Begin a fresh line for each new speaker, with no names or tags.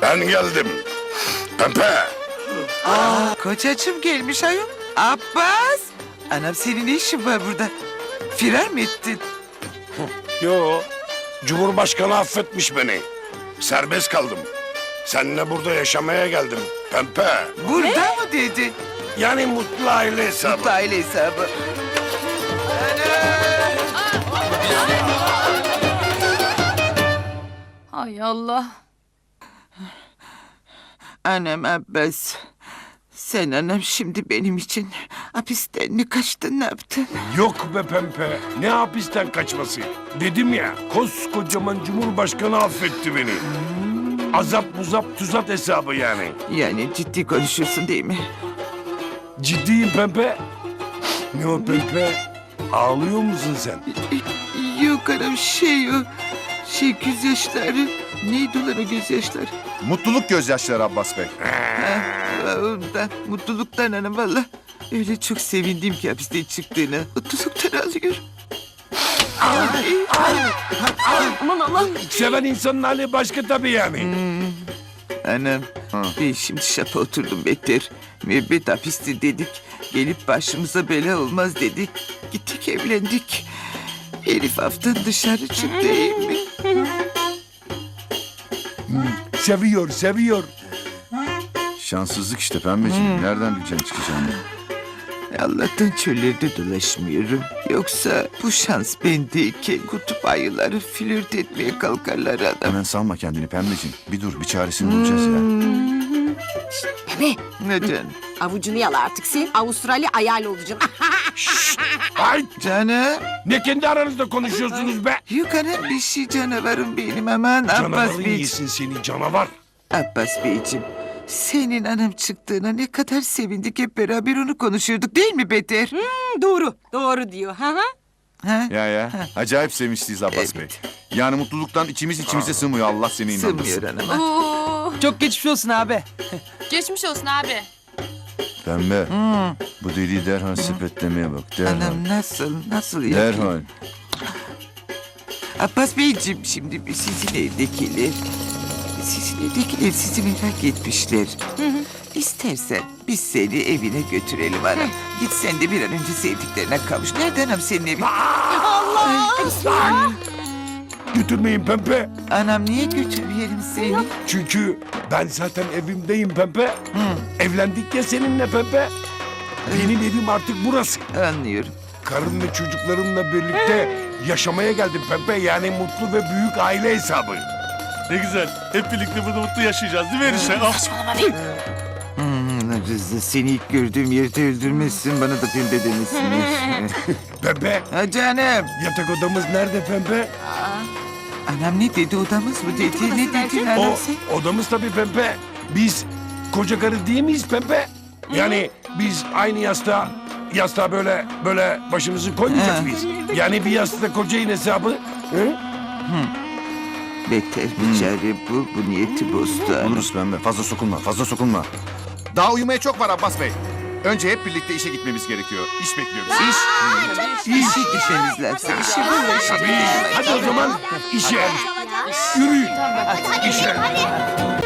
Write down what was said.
Ben geldim. Pembe.
Kocacığım gelmiş ayol. Abbas. Anam senin ne işin var burada? Firar mı ettin?
Yo. Cumhurbaşkanı affetmiş beni. Serbest kaldım. Seninle burada yaşamaya geldim. Pembe.
Burada mı dedi?
Yani mutlu aile hesabı.
Mutlu aile hesabı.
Ay Allah.
Anam Abbas. Sen anam şimdi benim için hapisten mi kaçtın, ne yaptın?
Yok be Pembe. Ne hapisten kaçması? Dedim ya, koskocaman Cumhurbaşkanı affetti beni. Azap muzap tuzat hesabı yani.
Yani ciddi konuşuyorsun değil mi?
Ciddiyim Pembe. Ne o Pembe? Ağlıyor musun sen?
Yok anam şey o. Gözyaşları. Neydi ulan o gözyaşları?
Mutluluk gözyaşları Abbas Bey.
Ondan, mutluluktan hanım valla. Öyle çok sevindim ki hapisten çıktığına. Mutluluktan ağlıyorum.
Aman Allah.
Seven insanın hali başka tabii yani.
Anam, ben şimdi şapa oturdum beter. Müebbet hapiste dedik. Gelip başımıza bela olmaz dedik. Gittik evlendik. Herif haftan dışarı çıktı değil mi?
Seviyor, seviyor.
Şanssızlık işte pembeciğim. Nereden bileceksin çıkacağını?
Allah'tan çöllerde dolaşmıyorum. Yoksa bu şans bendeyken kutup ayıları flört etmeye kalkarlar adam.
Hemen salma kendini pembeciğim. Bir dur, bir çaresini bulacağız ya.
Bebe,
Neden?
avucunu yala artık sen. Avustralya ayar olacaksın.
Ay,
Canım.
ne kendi aranızda konuşuyorsunuz be?
Yok anam bir şey canavarım benim aman Abbas
Canavarın
Beyciğim.
yesin seni canavar.
Abbas Beyciğim. Senin anam çıktığına ne kadar sevindik, hep beraber onu konuşuyorduk değil mi Beter?
Doğru diyor. Ha?
Ha?
Ya. Acayip sevinçliyiz Abbas Bey. Yani mutluluktan içimize sığmıyor. Allah seni inandırsın.
Sığmıyor anama.
Oo.
Çok geçmiş olsun abi.
Geçmiş olsun abi.
Pembe. Bu deliği derhal sepetlemeye bak. Derhal.
Anam nasıl yapayım?
Derhal.
Abbas Beyciğim şimdi sizin evdekiler sizi merak etmişler. İstersen biz seni evine götürelim anam. Git sen de bir an önce sevdiklerine kavuş. Nerede anam senin evin?
Götürmeyin Pembe.
Anam niye götürmeyelim seni?
Çünkü ben zaten evimdeyim Pembe. Evlendik ya seninle Pembe. Benim evim artık burası.
Anlıyorum.
Karım ve çocuklarımla birlikte yaşamaya geldim Pembe. Yani mutlu ve büyük aile hesabı.
Ne güzel. Hep birlikte burada mutlu yaşayacağız değil mi enişte?
Rıza seni ilk gördüğüm yerde öldürmezsin, bana da pembe demesin.
Pembe,
Ha canım.
yatak odamız nerede Pembe?
Anam ne dedi, odamız mı dedi? Ne dedin anam
O
sen?
odamız tabii Pembe. Biz koca karı değil miyiz Pembe? Yani biz aynı yastığa böyle başımızı koymayacak
Ha.
mıyız? Yani bir yastıkta kocayın hesabı. Hı?
Beter bir çare bu niyeti bozdu anam.
Buluruz pembe. Fazla sokulma. Daha uyumaya çok var Abbas Bey. Önce hep birlikte işe gitmemiz gerekiyor. İş bekliyoruz.
İşe gitmemiz lazım. İşe bu
Tabii. Hadi o zaman işe. Yürüyün. İşe.